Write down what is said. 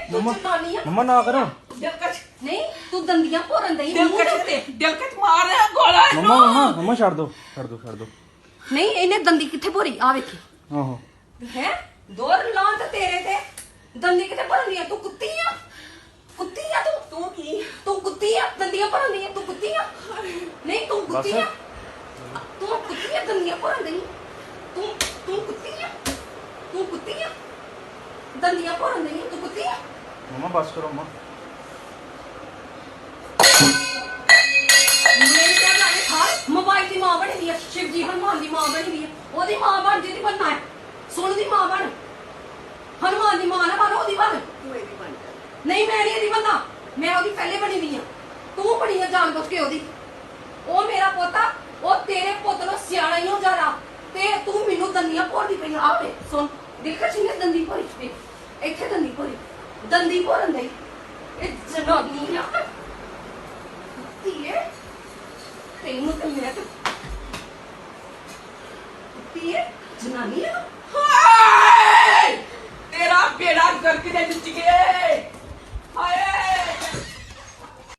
ਤੂੰ ਮੰਮਾ ਜਨਾਨੀ ਆ ਮੰਮਾ ਨਾ ਕਰੋ। ਦਿਲਕਸ਼ ਨਹੀਂ ਤੂੰ ਦੰਦੀਆਂ ਭੋਰਨ ਦਈ ਦਿਲਕਸ਼ ਮਾਰ ਗੋਲਾ ਮੰਮਾ ਛੱਡ ਦੋ ਛੱਡ ਦੋ ਛੱਡ ਦੋ। ਨਹੀਂ ਇਹਨੇ ਦੰਦੀ ਕਿੱਥੇ ਭੋਰੀ ਆ ਵੇਖੀ ਆਹੋ ਹੈ ਦੋਰ ਲਾਂ ਤੇ ਤੇਰੇ ਤੇ ਦੰਦੀ ਕਿੱਥੇ ਭਰਨੀ ਆ ਤੂੰ ਕੁੱਤੀ ਆ ਤੂੰ ਕੀ ਤੂੰ ਕੁੱਤੀ ਆ ਦੰਦੀਆਂ ਭਰਨ ਦੀ ਤੂੰ ਕੁੱਤੀ ਆ ਨਹੀਂ ਤੂੰ ਕੁੱਤੀ ਆ ਤੂੰ ਕੁੱਤੀ ਆ ਦੰਦੀਆਂ ਭਰਨ ਦੀ ਤੂੰ ਕੁੱਤੀ ਆ ਦੰਦੀਆਂ ਭਰਨ ਦੀ ਤੂੰ ਕੁੱਤੀ ਆ ਮੰਮਾ ਬਸ ਕਰੋ ਮੰਮਾ। ਮੇਰੀ ਗੱਲ ਆ ਖਾ ਮੋਬਾਈਲ ਦੀ ਮਾਂ ਬਣੀ ਦੀ ਆ ਸ਼ਿਵਜੀ ਹਨੂਮਾਨ ਦੀ ਮਾਂ ਬਣੀ ਦੀ ਆ ਉਹਦੀ ਮਾਂ ਬਣ ਜਿਹਦੀ ਬਣਨਾ ਹੈ ਸੁਣ ਦੀ ਮਾਂ ਬਣ ਹਨੂਮਾਨ ਦੀ ਮਾਂ ਨਾ ਬਣ ਉਹਦੀ ਬਣ ਤੂੰ ਇਹਦੀ ਬਣ ਜਾ ਨਹੀਂ ਮੈਂ ਨਹੀਂ ਇਹਦੀ ਬੰਦਾ ਮੈਂ ਉਹਦੀ ਪਹਿਲੇ ਬਣੀ ਦੀ ਆ ਤੂੰ ਬਣੀ ਆ ਜਾਣ ਬੁੱਝ ਕੇ ਉਹਦੀ ਉਹ ਮੇਰਾ ਪੋਤਾ ਉਹ ਤੇਰੇ ਪੁੱਤ ਨੂੰ ਸਿਆਣਾ ਹੀ ਹੋ ਜਾਣਾ ਤੇ ਤੂੰ ਮੈਨੂੰ ਦੰਦੀਆਂ ਭੋਰਦੀ ਪਈ ਆਵੇ ਸੁਣ ਦੇਖਾ ਸੀ ਨੇ ਦੰਦੀ ਭੋਰੀ ਤੇ ਇੱਥੇ ਦੰਦੀ ਭੋਰੀ ਦੰਦੀ ਭੋਰਨ ਦੇ ਇਹ ਜਨਾਨੀ ਆ ਧੀਏ ਤੈਨੂੰ ਤੇ ਮੇਰਾ ਧੀਏ ਜਨਾਨੀ ਆ ਹਾਏ ਤੇਰਾ ਬੇੜਾ ਗਰਕ ਦੇ ਵਿੱਚ ਗਿਆ